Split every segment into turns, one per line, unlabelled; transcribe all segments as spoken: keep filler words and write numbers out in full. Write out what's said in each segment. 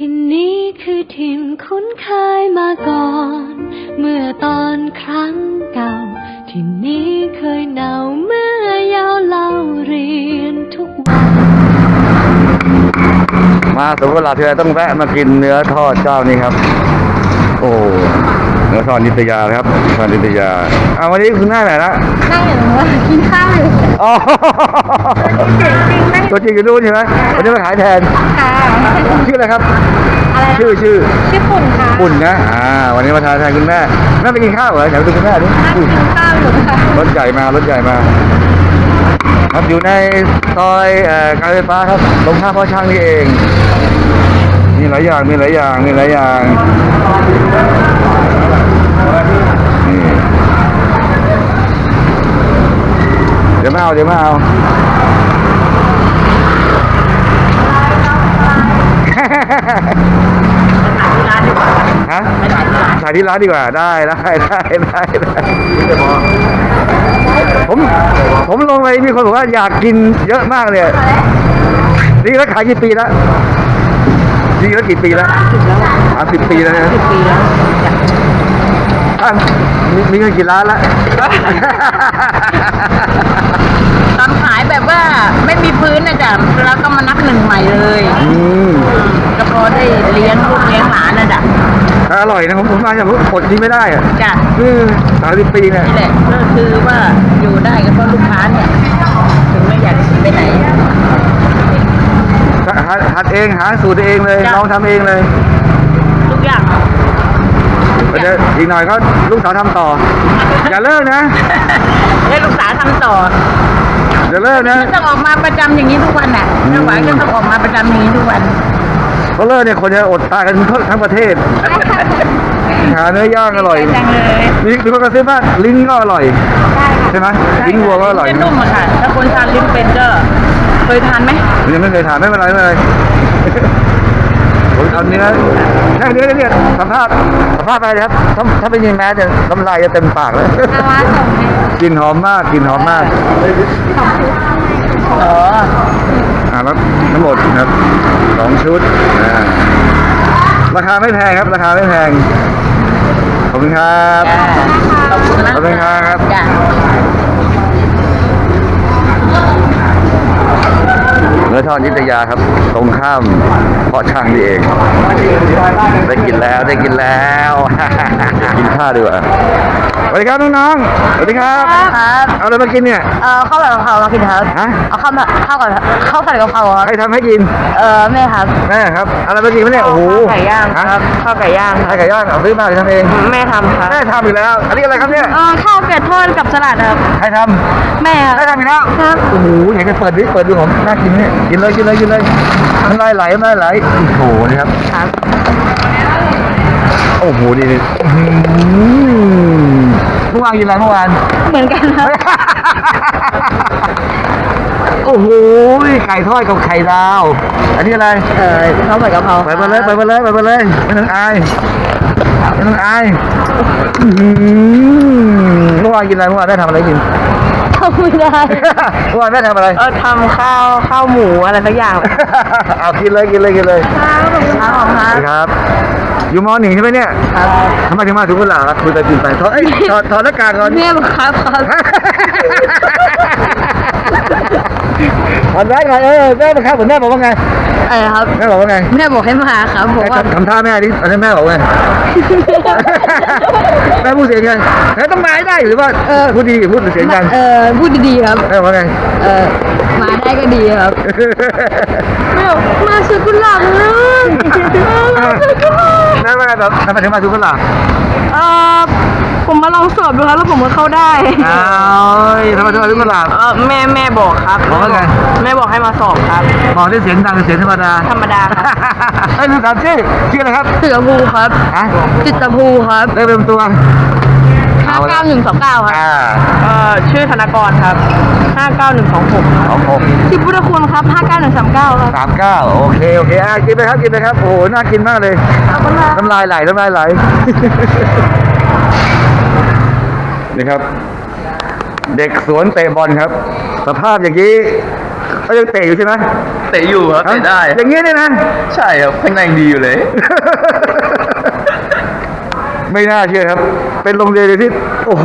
ที่นี้คือถิ่นคุ้นเคยมาก่อน เมื่อตอนครั้งเก่าที่นี้เคยหนาวเมื่อยาวเล่าเรียนทุกวัน
มาสวนกุหลาบทีไรต้องแวะมากินเนื้อทอดเจ้านี้ครับ โอ้เนื้อทอดนิตยาครับทอดนิตยาเอาวันนี้คุณหน้าไหนละ
นั่งอยู่ว่ากินข้าวอยู่
อ๋อตัวจริงอยู่นู่นใช่ไหมวันนี้มาขายแทน
ค่ะ
ชื่ออะไรครับ
อะไร
ชื่อชื่อ
ชื่อปุ่นค่ะ
ปุ่นนะอ่าวันนี้มาทานแทนคุณแม่แม่ไปกินข้าวเหรออยากไปดูคุณแม่ดิ
นั่ง
อุ้ย
กินข้าวอยู่ค่ะ
รถใหญ่มารถใหญ่มาครับอยู่ในซอยเอ่อการไฟฟ้าครับตรงข้ามพ่อช่างนี่เองมีหลายอย่างมีหลายอย่างมีหลายอย่างนี่เดี๋ยวมาเอาเดี๋ยวมาเอาฮะถ่ายที่ร้านดีกว่าได้ได้ได้ได้ได้ผมผมลงไปมีคนบอกว่าอยากกินเยอะมากเลยนี่แล้วขายกี่ปีแล้วนี่แล้วกี่ปีแล้วสามสิบปีแล้วนะสิบปีแล้วมีมีเงินกี่ล้านละ
ตอนขายแบบว่าไม่มีพื้นนะจ๊ะแล้วก็มานับหนึ่งใหม่เลย
อืม
ก็พอได้เลี้ยงลูกเลี้ยงหลานนะจ๊ะ
อร่อยนะผมผมมาจากอดนี้ไม่ได้อะ
จ้ะ
คือสามสิบปีเนี่ย
นี่แหละก็คือว่าอยู่ได้ก็เพราะลูกค้าเนี่ยถึงไม่อยากไปไหน
หัดหัดเองหาสูตรเองเลยลองทำเองเลย
ทุกอย่าง
เดี๋ยวอีกหน่อยก็ลูกสาวทำต่อ อย่าเลิกนะ
ให้ลูกสาวทำต่อ
อย่าเลิกนะ
ก็ต้องออกมาประจำอย่างนี้ทุกวันน่ะไม่ไหวก็ต้องออกมาประจำอย่างนี้ทุกวัน
เขาเลิกเนี่ยคนจะอดตายกันทั้งประเทศ หาเนื้อย่างอร่อย
จังเลย
มีมีคนกระซิบว่าลิ้นก็อร่อยใช่ไหมลิ้นวัวก็อร่อย
จะนุ่มอะค่ะถ้าคนทานลิ้นเป็นก็เคยทานไหม
ยังไม่เคยทานไม่เป็นไรไม่เป็นไรผมเอาเนื้อแค่เนื้อเนี่ยสัมภาษณ์สัมภาษณ์ไปเลยครับถ้าถ้าเป็นยิงแม้จะน้ำลายจะเต็มปากเลย
อาว่าส่งให้
กลิ่นหอมมากกลิ่นหอมมาก
อ๋อ
อ่าแล้วทั้งหมดครับสองชุดอ่าราคาไม่แพงครับราคาไม่แพงขอบคุณครับ
จ้าขอบคุณนะ
ขอบคุณครับ
จ้า
เนื้อทอดนิตยาครับ ตรงข้ามเพาะช่างนี่เองได้กินแล้วได้กินแล้ว กินข้าวดีกว่าสวัสดีครับน้องๆสวัสดีครับ
ครับ
เอาอะไรมากินเนี่ย
เออข้าวผัดกะเพรามากินครับ
ฮะ
เอาข้าวผัดข้าวก่อนข้าวผัดกะเพราครับ
ใครทำให้กิน
เออแม่ครับ
แม่ครับเอาอะไรมากินไหมเนี่ยโอ้โห
ไก่ย่างครับ
ฮะ
ข้าวไก่ย่างค
ใคร
รับ
ไก่ย่างเอาซื้อมาหรือทำเอง
แม่ทำครับ
แม่ทำอีกแล้ว อันนี้อะไรครับเนี่ย
เออข้าวเป็ดทอดกับสลัดครับ
ใครท
แม่
ำใครทำอีกแล้ว
ครับ
โอ้โหอยากจะเปิดดิเปิดดูผมน่ากินเนี่ยกินเลยกินเลยกินเลยน้ำลายไหลน้ำลายไหลโอ้โหนี่ครับ
ครับ
โอ้โหดีดีอื้อหือเมื่อวานกินอะไรเมื่อวาน
เหมือนกันครับ
โอ้โหไก่ทอดกับไข่ดาว อันนี้อะไร
เออข้าวผัดกะเพรา
ไปมาเลยไปมาเลยไปมาเลยไม่ต้องอายไม่ต้องอายอื้อหือเมื่อวานกินอะไรเมื่อวานได้ทำอะไรกิน
ทำไม่ได้
เมื่อวานแม่ทำอะไร
เออทำข้าวข้าวหมูอะไรสักอย่าง
เอากินเลยกินเลยกินเลย
ครับขอบคุณครับ
สวัสดีครับ อยู่มหนึ่งใช่ไหมเนี่ย
ครับ
ทำไมถึงมาถึงกุหลาบครับคุยไปกินไปถอดเอ้ยถอดถอดหน้ากากก่อน
แม่บอกครับครับ
ถอดแว่นก่อนเออแม่มาครับผมแม่บอกว่าไง
เออครับ
แม่บอกว่าไง
แม่บอกให้มาครับบอกว่า
ทำท่าแม่ดิอันนี้แม่บอกว่าไง แม่พูดเสียงไงแม่ต้องมาให้ได้หรือว่าเออพูดดีพูดเสียงกัน
เออพูดดีๆครับ
แม่บอกว่าไง
เออมาได้ก็ดีครับแม่บอกมาซื้อกุหลาบนะมาซื้อกุหลาบ
แม่ว่าไงแบบทำไมถึงมาถึงกุหลาบ
เออผมมาลองสอบดูครับแล้วผมก็เข้าได้
อ้าวทำไมถึงมาถึงกุหลาบ
เออแม่แม่บอกครับ
บอกว่าไง
แม่บอกให้มาสอบครับ
บอกได้เสียงดังหรือเสียงธรรมดา
ธรรมดาครับ
เอ้ยลืมถามชื่อชื่ออะไรครับ
เสือภูครับ
ฮะ
จิตภูครับ
ได้เป็นตัว
ห้าเก้าหนึ่งสองเก้าครับ
อ่า
เอ่อชื่อธนากรครับห้าเก้าหนึ่งสองหก
สองหก
ที่พุทธคุณครับห้าเก้าหนึ่งสามเก้าครับ
สามเก้าโอเคโอเคอ่ะกินไปครับกินไปครับโอ้โหน่ากินมากเลย
ขอบคุณครับ
น้ำลายไหลน้ำลายไหล นี่ครับ เด็กสวนเตะบอลครับ สภาพอย่างนี้เขายังเตะอยู่ใช่ไหม
เตะอยู่ครับเตะได้
อย่างเงี้ยเนี่ยนะ
ใช่ครับแข็งแรงดีอยู่เลย
ไม่น่าเชื่อครับ เป็นโรงเรียนที่ โอ้โห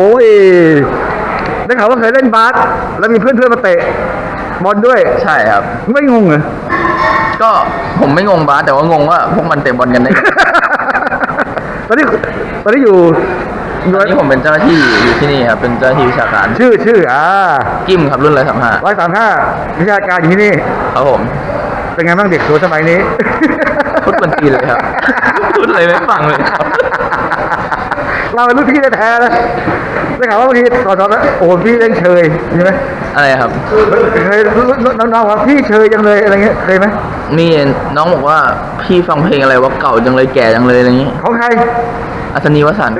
ได้ข่าวว่าเคยเล่นบาสแล้วมีเพื่อนเพื่อนๆมาเตะบอลด้วย
ใช่ครับ
ไม่งงเหรอ
ก็ผมไม่งงบาสแต่ว่างงว่าพวกมันเตะบอลกันได้ไง
ตอนนี้ตอนนี้อยู่
ตอนนี้ผมเป็นเจ้าหน้าที่อยู่ที่นี่ครับเป็นเจ้าหน้าที่วิชาการ
ชื่อชื่ออ่า
กิมครับรุ่นร้อยสามห้า
ร้อยสามห้าวิชาการอยู่ที่นี่
ครับผม
เป็นไงบ้างเด็กสวยสมัยนี้
พูดบันตีเลยครับ พูดอะไรไม่ฟังเลยครับ
เราเป็นรุ่นพี่แท้ๆนะได้ข่าวว่าบางทีสอนๆแล้วโอ้โหพี่เล่นเชยใช่ไหม
อะไรครับ
เคยน้องๆว่าพี่เชยจังเลยอะไรเงี้ยเคยไหม
มีน้องบอกว่าพี่ฟังเพลงอะไรว่าเก่าจังเลยแก่จังเลยอะไรอย่างนี้
ของใคร
อัศนีวสันต์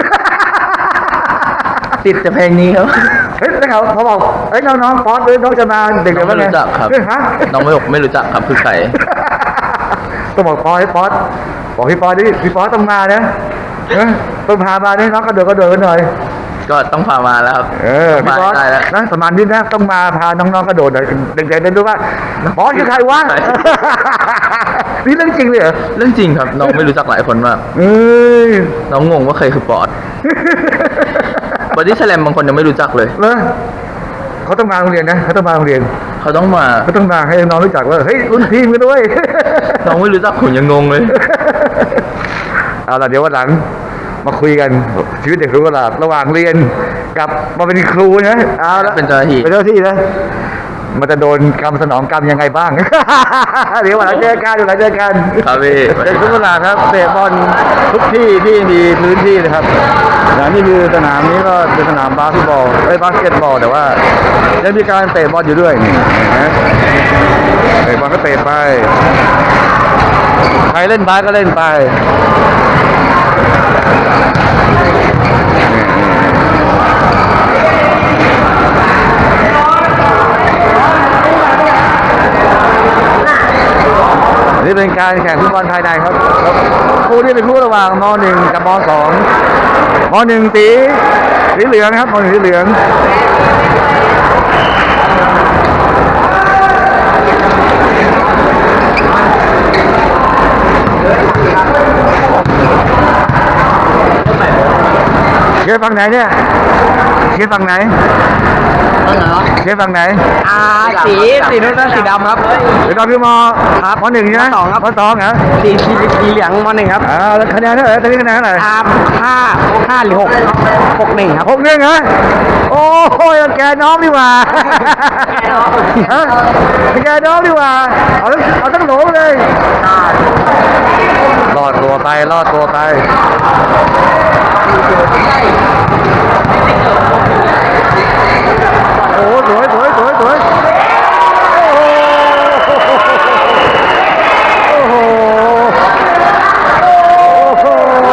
ติดแต่เพลงนี้ครับ
เฮ้ยได้ข่าวเขาบอกเอ้ยน้องๆป๊อตหรือน้องจะมาเด็ก
น้
เดี๋
อย ง
วว่า
ไม่
ไง
รู้จักครับ
เฮ้ยฮะ
น้องไม่บอกไม่รู้จักครับคือใคร
ต้องบอกป๊อตให้ป๊อตบอกพี่ป๊อตดิพี่ป๊อตต้องมานะเออต้องพามาเนี่ยน้องกระโดดกระโดดกันหน่อย
ก็ต้องพามาแล้วครับ
เออพี่
มา
ป๊อต
ได้แล้ว
นะประมาณนี้นะต้องมาพาน้องๆกระโดดหน่อยเด็กๆได้ดูว่าป๊อตคือใครวะ
ใช่
นี่เรื่องจริงเลยเหรอ
เรื่องจริงครับ น้องไม่รู้จักหลายคนมาก
เอ้ย
น้องงงว่าใครคือปอดบอดี้แสลมบางคนยังไม่รู้จักเลย
เลยเขาต้องมาโรงเรียนนะเขาต้องมาโรงเรียน
เขาต้องมา
เขาต้องมาให้น้องรู้จักว่าเฮ้ยรุ่นพี่กันด้วย
น้องไม่รู้จักผมยังงงเลย
เอาล่ะเดี๋ยววันหลังมาคุยกันชีวิตเด็กรู้ว่าระหว่างเรียนกับมาเป็นครูนะเอาละ
เป็นเจ้าหน้าที่
เป็นเจ้าหน้าที่นะมันจะโดนกรรมสนองกรรมยังไงบ้าง เดี๋ยววันหลังเจอกันเดี๋ยววันหลังเจอกัน
ครับพี่
เด็กทุกเวลาครับเตะบอลทุกที่ที่มีพื้นที่เลยครับอย่างนี่คือสนามนี้ก็เป็นสนามบาสเกตบอลเอ้ยบาสเกตบอลแต่ว่ายังมีการเตะบอลอยู่ด้วยนี่เห็นไหมเตะบอลก็เตะไปใครเล่นบาสก็เล่นไปนี่เป็นการแข่งฟุตบอลภายในครับคู่นี้เป็นคู่ระหว่างม หนึ่ง กับม สอง ม หนึ่ง สีสีเหลืองนะครับม หนึ่ง สีเหลืองเชียร์ฝั่งไหนเนี่ยเชียร์ฝั่งไหนเชียร์ฝั่งไหน
อ่าสีสีนู้นสีดำครับ
เดี๋ยวเราคือมครับมหนึ่งใช่ไหม
มสองครับ
มสองเหรอ
สีสีสีเหลืองมหนึ่งครับ
อ่าแล้วคะแนนเท่าไหร่ตอนนี้คะแนนเท่าไหร่
อ่าห้าห้าหรือหกหกหนึ่งครับ
หกหนึ่งเหรอโอ้ยแกน้องดีกว่าฮะแกน้องดีกว่าเอาทั้งเอาทั้งโหลเลยรอดตัวไปรอดตัวไปโอ้สวยสวยสวยสวยโอ้โหโอ้โห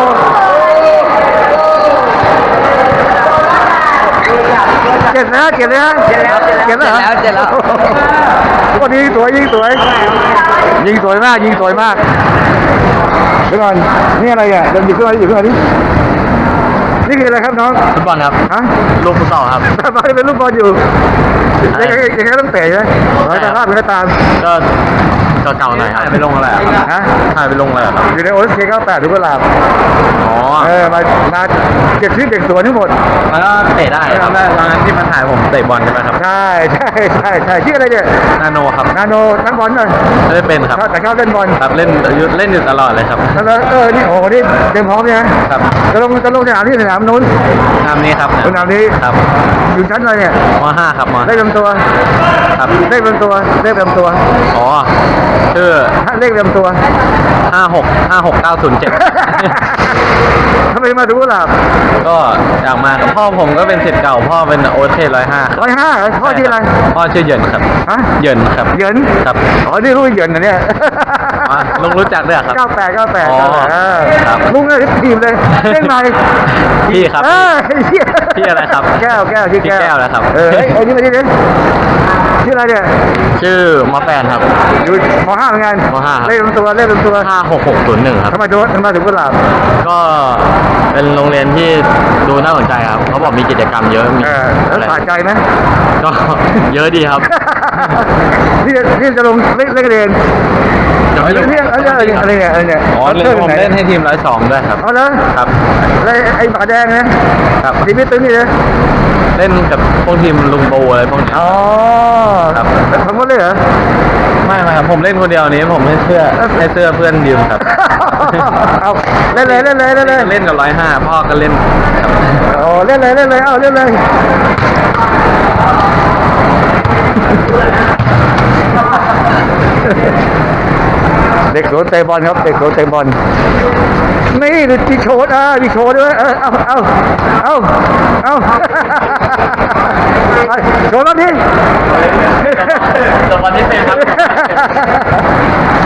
เจ็บนะเจ็บนะเจ็บแล้วเจ็บแล้ว
เจ็บแล้ว
วันนี้สวยยิงสวยยิงสวยมากยิงสวยมากเดี๋ยวก่อนนี่อะไรอ่ะเดินหยิบขึ้นมาหยิบขึ้นมาดินี่คืออะไรครับน้อง
ฟุตบอลครับ
ฮะ
ลูกฟุตซอลครับ
ตาเป็นลูกบอลอยู่ยังไงยังไงต้องเตะใช่ไหมร้อยตาภาพเป็นก็ตาม
ก็เก่าๆหน่อยครับไปลงอะไรครับ
ฮะ
ถ่ายไปลงอะไรครับ
อยู่ในโอสเคเก้าแปดทุกเวลา
อ๋อ
เออมามาเก็บชื่อเด็กสวนทั้งหมด
มันก็เตะได้ครับตอนนั้นที่มันถ่ายผมเตะบอลใช่ไหมครับ
ใช่ใช่ใช่ใช่ชื่ออะไรเนี่ย
นาโนครับ
นาโนนักบอลหน่อย
ไม่ได้เป็นครับ
ชอบแต่ชอบเล่นบอล
ครับเล่นยุเล่นอยู่ตลอดเลยครับ
แล้วเออนี่โอ้โหนี่เตรียมพร้อมเนี่ยนะครับ จะลงจะลงสนามที่สนามนู้น
นามนี้ครับ
สนามนี้
ครับ
อยู่ชั้นอะไรเนี่ย
มห้าครับม
เลขลำตัว
ครับ
เลขลำตัวเลขลำตัว
อ๋อชื่อ
เลขลำตัว
ห้าหกห้าหกเก้าศูนย์เจ็ด
ทำไมมาดูกุหลาบ
ก็อยากมาครับพ่อผมก็เป็นศิษย์เก่าพ่อเป็นโอเคร้อยห้า
ร้อยห้าพ่อที่ออะไร
พ่อชื่อเหยินครับ
ฮะ
เหยินครับ
เหยิน
ครับ
อ๋อนี่รู้เหยินนะเนี่ย
อ่ะลุงรู้จักด้วยเหรอครับ
เก้าแปดเก้าแปด
อ๋อครับ
ลุงเลยทีมเลยเล่นไหน
พี่ครับ
เออเหี้ย
พี่อะไรครับ
แก้วแก้วชื่อ
พี่แก้วนะครับ
เออเฮ้ยไอ้นี่มาดิเนี่ยชื่ออะไรเนี่ย
ชื่อมอแฟนครับ
อยู่มห้าเหมือนกัน
มห้าครับ
เลขลำตัวเลขลำตัว
ห้าหกหกศูนย์หนึ่งครับ
ทำไมถึงทำไมถึงกุหลาบ
ก็เป็นโรงเรียนที่ดูน่าสนใจครับเขาบอกมีกิจกรรมเยอะมี
เออแล้ว
อะไร
สะใจไหม
ก็ เยอะดีครับ
นี่นี่จะลงเล่นเล่นกันเองเล่นเนี่ยอะไรเนี่ยอะไรเนี่ยอะไรเนี่ย
อ๋อเล่นผมเล่นให้ทีมร้อยสองด้วยครับ
เอาเลย
ครับ
แล้วไอ้ฝาแดงนะครับ ทีมตึ้งนี่เลย
เล่นกับพวกทีมลุงโบอะไรพวกนี้
อ๋อ
ครับ
ทั้งหมดเลยเหรอ
ไม่ไม่ครับผมเล่นคนเดียวนี้ผมให้เสื้อให้เสื้อเพื่อนยืมครับ
เอาเล่นเลยเล่นเลยเล่นเลย
เล่นกับร้อยห้าพ่อก็เล่นครับ
โอ้เล่นเลยเล่นเลยเอาเล่นเลยเด็กโขนเตะบอลครับเด็กโขนเตะบอลนี่ดูที่โชว์อ่ะมีโชว์ด้วยเออเอาเอาเอาเอาไปโชว์แล้วดิ
จบวันที่เป็นครับ